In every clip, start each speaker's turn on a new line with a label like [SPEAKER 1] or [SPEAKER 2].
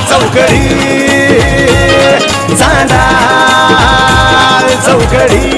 [SPEAKER 1] चौकडी Chanda चौकडी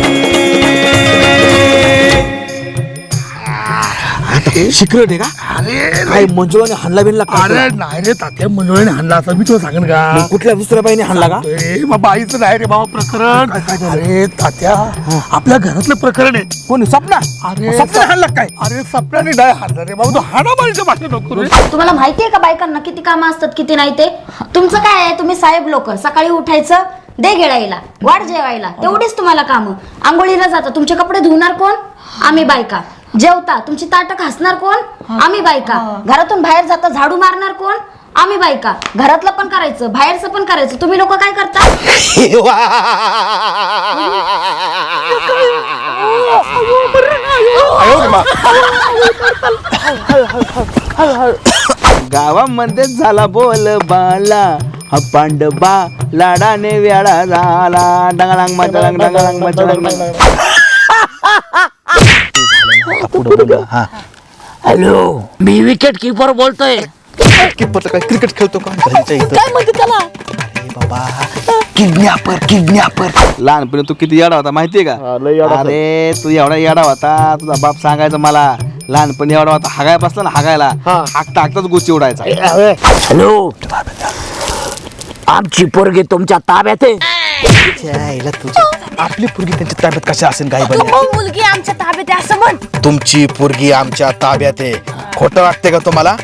[SPEAKER 2] secret आहे का?
[SPEAKER 3] अरे
[SPEAKER 2] काय मंजुळाने हाणला बिनला का?
[SPEAKER 3] अरे नाही रे तात्या मंजुळाने हाणला असं मी तुला सांगेन का?
[SPEAKER 2] मग कुठल्या दुसऱ्या बाईने हाणला का?
[SPEAKER 3] ए बाबा बाईचं नाही रे बाबा प्रकरण.
[SPEAKER 2] काय झालं?
[SPEAKER 3] अरे तात्या आपल्या घरातलं प्रकरण आहे.
[SPEAKER 2] कोणी सपना?
[SPEAKER 3] अरे
[SPEAKER 2] सपना हाणला काय?
[SPEAKER 3] अरे सपनाने नाही हाणला रे बाबा. तो हाणामारीच्या भाषेत नको रे.
[SPEAKER 4] तुम्हाला माहितीये का बायकांना किती कामं असतात किती नाही ते? तुमचं काय आहे, तुम्ही साहेब लोक सकाळी उठायचं, दे गिळायला, वाढ जेवायला, तेवढीच तुम्हाला कामं. आंघोळीला जाता, तुमचे कपडे धुणार कोण? आम्ही बायका. जेवता, तुमची ताटं घासणार कोण? आम्ही बायका. घरातून बाहेर जाता, झाडू मारणार कोण? आम्ही बायका. घरातलं पण करायचं, बाहेरचं पण करायचं. तुम्ही लोक काय करता?
[SPEAKER 2] गावामध्ये झाला बोल बाला, हा पांडबा लाडाने वेळा झाला. डंगळंग मचळंग डंगळंग मचळंग.
[SPEAKER 5] हॅलो, मी विकेट किपर बोलतोय.
[SPEAKER 2] किपरचं काय क्रिकेट खेळतो का घरच्या इथं?
[SPEAKER 5] काय म्हणते त्याला?
[SPEAKER 2] अरे बाबा किडनॅपर. लहानपणी तू किती येडा होता माहितीये का? अरे तू एवढा येडा होता, तुझा बाप सांगायचा मला. लहानपणी एवढा होता, हागाय बसला ना हागायला, हाकता हाकताच गोष्टी उडायचा.
[SPEAKER 5] हॅलो, आमची पोरगी तुमच्या ताब्यात आहे.
[SPEAKER 2] आपली पोरगी त्यांच्या ताब्यात कशा असेल काय
[SPEAKER 4] मुलगी आमच्या ताब्यात आहे असं म्हण.
[SPEAKER 1] तुमची पोरगी आमच्या ताब्यात आहे. खोटं वाटते का तुम्हाला?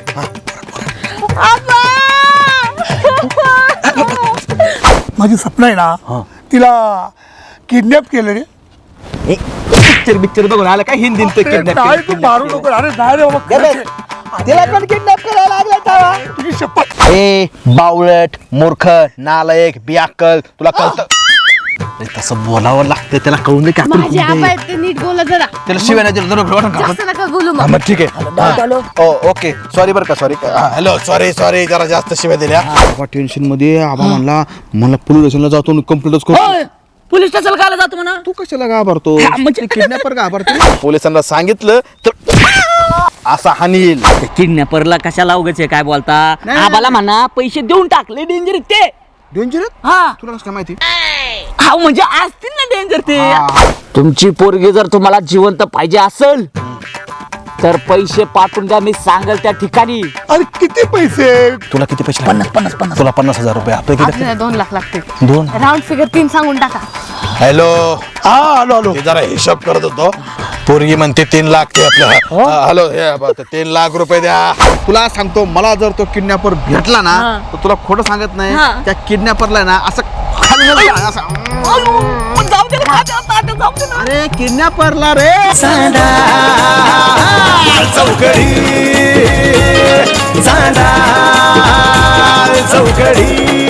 [SPEAKER 3] माझी सपना आहे ना, तिला किडनॅप केलं रे.
[SPEAKER 2] पिक्चर बघून आला काय हिंदीत
[SPEAKER 3] नाही तू मारू नको. अरे नाही रे बाबा खरंच आहे.
[SPEAKER 2] तिला पण किडनॅप करायला लागला.
[SPEAKER 3] तुझी शपथ.
[SPEAKER 1] ए बावळट मूर्ख नालायक बियाकल तुला कळतं?
[SPEAKER 2] तसं बोलावं लागतं, त्याला कळून दे.
[SPEAKER 4] माझे आबा आहेत, ते नीट बोला जरा.
[SPEAKER 1] त्याला शिवाय नाही दिलं
[SPEAKER 4] जास्त नका बोलू मग.
[SPEAKER 1] मग ठीक आहे. ओके सॉरी बरं का सॉरी. हॅलो सॉरी जरा जास्त शिवाय दिल्या.
[SPEAKER 2] टेन्शन मध्ये आबा म्हणला मला पोलीस स्टेशनला जातो कंप्लेंटच करतो.
[SPEAKER 5] पोलीस स्टेशनला कायला जातो म्हणा?
[SPEAKER 2] तू कशाला घाबरतो? किडनॅपर घाबरतो.
[SPEAKER 1] पोलिसांना सांगितलं तर असा हानील.
[SPEAKER 5] किडनॅपरला कशाला उगाच काय बोलता? आबाला म्हणा पैसे देऊन टाकले डेंजर ते.
[SPEAKER 2] डेंजर?
[SPEAKER 5] हा
[SPEAKER 2] तुला कसं काय माहिती?
[SPEAKER 5] हा म्हणजे असतील ना डेंजर ते. तुमची पोरगी जर तुम्हाला जिवंत पाहिजे असेल तर पैसे पाठवून द्या, मी सांगेल त्या ठिकाणी.
[SPEAKER 3] अरे किती पैसे?
[SPEAKER 1] तुला किती पैसे?
[SPEAKER 5] 50.
[SPEAKER 1] तुला 50,000 रुपये. आपले किती?
[SPEAKER 4] 2 लाख लागते.
[SPEAKER 1] 2.
[SPEAKER 4] राऊंड फिगर 3 सांगून टाका.
[SPEAKER 1] हॅलो
[SPEAKER 3] आलो
[SPEAKER 1] ते जरा हिशोब करत होतो. पोरगी म्हणते 3 लाख ते आपलं. हॅलो हे 3 लाख रुपये द्या.
[SPEAKER 2] तुला सांगतो, मला जर तो किडनॅपर भेटला ना तर तुला खोटं सांगत नाही, त्या किडनॅपरला ना असं अरे किडनॅपरला रे
[SPEAKER 1] चौकडी चांदा चौकडी